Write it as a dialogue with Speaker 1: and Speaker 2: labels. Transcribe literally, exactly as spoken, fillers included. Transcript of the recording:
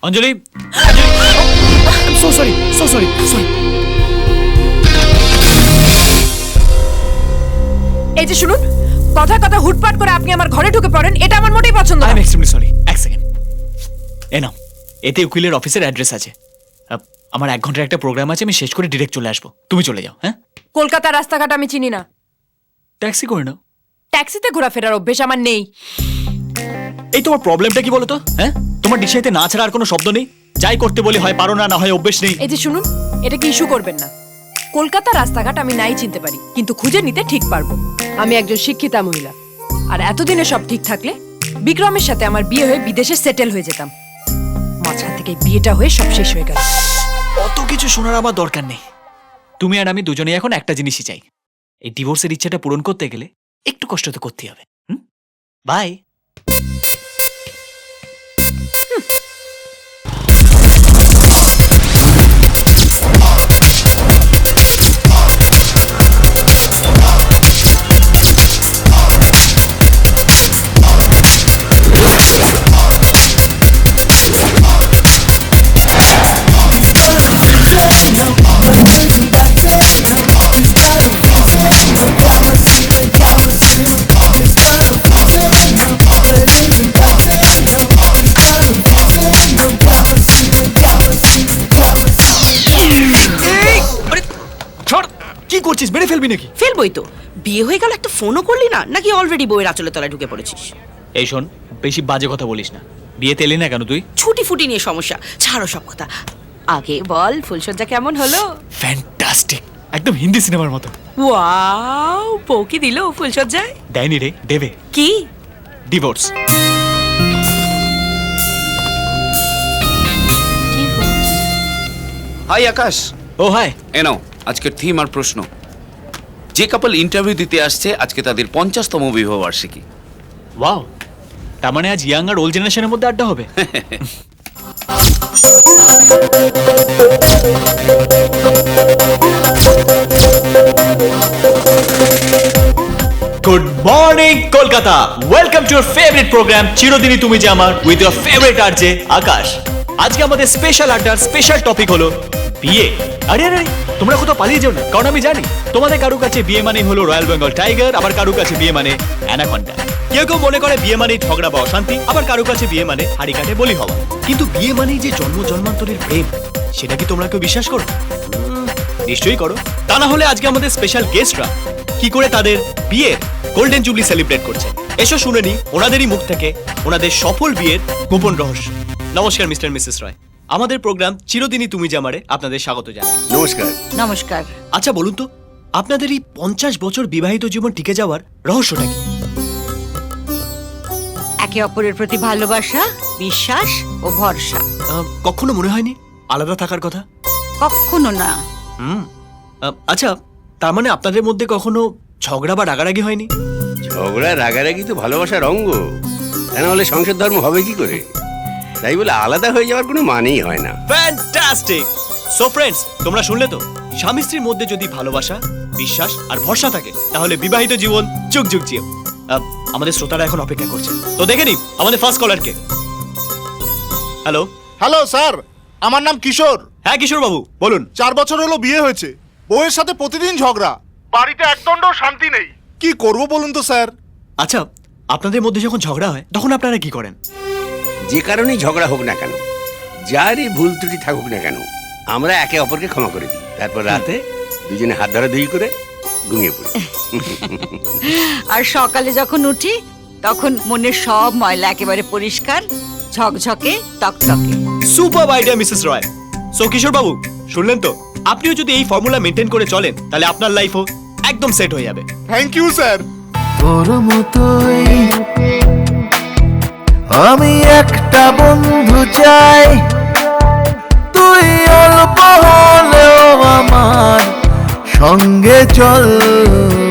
Speaker 1: অঞ্জলি, so sorry so sorry sorry.
Speaker 2: এই যে শুনুন, কথা কথা হুটপাট করে আপনি আমার ঘরে ঢুকে পড়েন, এটা আমার মোটেই পছন্দ
Speaker 1: আই
Speaker 2: না।
Speaker 1: Am extremely sorry. এক সেকেন্ড, এ নাও, এতে উকিলের অফিসের অ্যাড্রেস আছে। আহ, আমার এক ঘন্টার একটা প্রোগ্রাম আছে, আমি শেষ করে ডিরেক্ট চলে আসবো। তুমি চলে যাও। হ্যাঁ,
Speaker 2: কলকাতার রাস্তাঘাট আমি চিনি না।
Speaker 1: ট্যাক্সি করে নাও।
Speaker 2: ট্যাক্সিতে ঘোরাফেরার অভ্যেস আমার নেই।
Speaker 1: এই তোমার প্রবলেমটা কি বলো তো? হ্যাঁ, তোমার ডিসাইতে না ছাড়া আর কোনো শব্দ নেই? যাই করতে বলি হয় পারো না, না হয় অভ্যেস নেই।
Speaker 2: এই যে শুনুন, এটা কি ইস্যু করবেন না। কলকাতার রাস্তাঘাট আমি নাই চিনতে পারি, কিন্তু খুঁজে নিতে ঠিক পারবো। আমি একজন শিক্ষিতা মহিলা, আর এতদিনে সব ঠিক থাকলে বিক্রমের সাথে আমার বিয়ে হয়ে বিদেশে সেটেল হয়ে যেতাম। মাঝখান থেকে বিয়েটা হয়ে সব শেষ হয়ে গেল।
Speaker 1: অত কিছু শোনার আমার দরকার নেই। তুমি আর আমি দুজনেই এখন একটা জিনিসই চাই, এই ডিভোর্সের ইচ্ছাটা পূরণ করতে গেলে একটু কষ্ট তো করতেই হবে। হুম, বাই। কি করছিস? মেরে ফেলবি নাকি?
Speaker 3: ফেলবই তো। বিয়ে হয়ে গেল, একটা ফোনও করলি না নাকি? অলরেডি বইয়ের আঁচলে তলায় ঢুকে পড়েছিস?
Speaker 1: এই শোন, বেশি বাজে কথা বলিস না। বিয়েতে এলি না কেন তুই?
Speaker 3: ছুটি ফুটি নিয়ে সমস্যা, ছাড়ো সব কথা। আগে বল, ফুলসজ্জা কেমন হলো?
Speaker 1: ফ্যান্টাস্টিক, একদম হিন্দি সিনেমার মতো।
Speaker 3: ওয়াও, বউ কি দিল ফুলসজ্জায়?
Speaker 1: দেয়নি রে, দেবে।
Speaker 3: কি?
Speaker 1: ডিভোর্স।
Speaker 4: হাই আকাশ।
Speaker 1: ও হাই।
Speaker 4: এ নাও আজকের থিম আর প্রশ্ন। যে কাপল ইন্টারভিউ দিতে আসছে, আজকে তাদের পঞ্চাশতম বিবাহ বার্ষিকী।
Speaker 1: ওয়াও, তার মানে আজ ইয়াং আর ওল্ড জেনারেশনের মধ্যে আড্ডা হবে। Good morning Kolkata, welcome to your favourite programme চিরদিনই তুমি যে আমার, with your favourite RJ Akash. আজকে আমাদের স্পেশাল আড্ডার স্পেশাল টপিক হলো বিয়ে। আরে আরে তোমরা কোথাও পালিয়ে যাও না, কারণ আমি জানি তোমাদের কারো কাছে বিয়ে মানে হলো রয়্যাল বেঙ্গল টাইগার, আবার কারো কাছে বিয়ে মানে অ্যানাকন্ডা। কেউ কেউ মনে করে বিয়ে মানেই ঝগড়া বা অশান্তি, আবার কারো কাছে বিয়ে মানে হাড়ি কাটে বলি হওয়া। কিন্তু বিয়ে মানেই যে জন্ম জন্মান্তরের প্রেম, সেটা কি তোমরা কেউ বিশ্বাস করো? নিশ্চয়ই করো। তা না হলে আজকে আমাদের স্পেশাল গেস্টরা কি করে তাদের বিয়ের গোল্ডেন জুবলি সেলিব্রেট করছে, এসো শুনে নি ওনাদেরই মুখ থেকে ওনাদের সফল বিয়ের গোপন রহস্য। নমস্কার মিস্টার মিসেস রয়, আমাদের প্রোগ্রাম চিরদিনই তুমি যে আমারে আপনাদের স্বাগত জানাই।
Speaker 4: নমস্কার।
Speaker 3: নমস্কার।
Speaker 1: আচ্ছা বলুন তো, আপনাদের এই পঞ্চাশ বছর বিবাহিত জীবন টিকে যাওয়ার রহস্যটা কি?
Speaker 5: একে অপরের প্রতি ভালোবাসা, বিশ্বাস ও ভরসা।
Speaker 1: আহ, কখনো মনে হয়নি আলাদা থাকার কথা?
Speaker 5: কখনো না।
Speaker 1: হুম। আহ, আচ্ছা, তার মানে আপনাদের মধ্যে কখনো ঝগড়া বা রাগারাগি হয়নি?
Speaker 6: ঝগড়া রাগারাগি তো ভালোবাসার অঙ্গ, তা না হলে সংসার ধর্ম হবে কি করে? তাই বলে আলাদা হয়ে যাওয়ার কোনো মানেই হয় না।
Speaker 1: ফ্যান্টাস্টিক। সো ফ্রেন্ডস, তোমরা শুনলে তো, স্বামী স্ত্রীর মধ্যে যদি ভালোবাসা, বিশ্বাস আর ভরসা থাকে, তাহলে বিবাহিত জীবন যুগ যুগ জিও। আহ, আমাদের শ্রোতারা এখন অপেক্ষা করছে, তো দেখে নি আমাদের ফার্স্ট কলারকে। হ্যালো।
Speaker 7: হ্যালো স্যার, আমার নাম কিশোর।
Speaker 1: হ্যাঁ কিশোর বাবু বলুন।
Speaker 7: চার বছর হলো বিয়ে হয়েছে, বউয়ের সাথে প্রতিদিন ঝগড়া, বাড়িতে একদণ্ড শান্তি নেই। কি করব বলুন তো স্যার?
Speaker 1: আচ্ছা, আপনাদের মধ্যে যখন ঝগড়া হয় তখন আপনারা কি করেন?
Speaker 6: যে কারণেই ঝগড়া হোক না কেন, যারই ভুল ত্রুটি থাকুক না কেন, আমরা একে অপরকে ক্ষমা করে দিই। তারপর রাতে দুজনে হাত ধরাধরি করে ঘুমিয়ে পড়ি।
Speaker 5: আর সকালে যখন উঠি তখন মনের সব ময়লা একেবারে পরিষ্কার, ঝকঝকে, টকটকে।
Speaker 1: Super idea Mrs Roy. So Kishore বাবু শুনলেন তো, আপনিও যদি এই ফর্মুলা মেনটেন করে চলেন, তাহলে আপনার লাইফও একদম সেট হয়ে যাবে।
Speaker 7: Thank you sir.
Speaker 8: তোর মতোই আমি একটা বন্ধু চাই, তুই অল্প হলেও আমার সঙ্গে চল।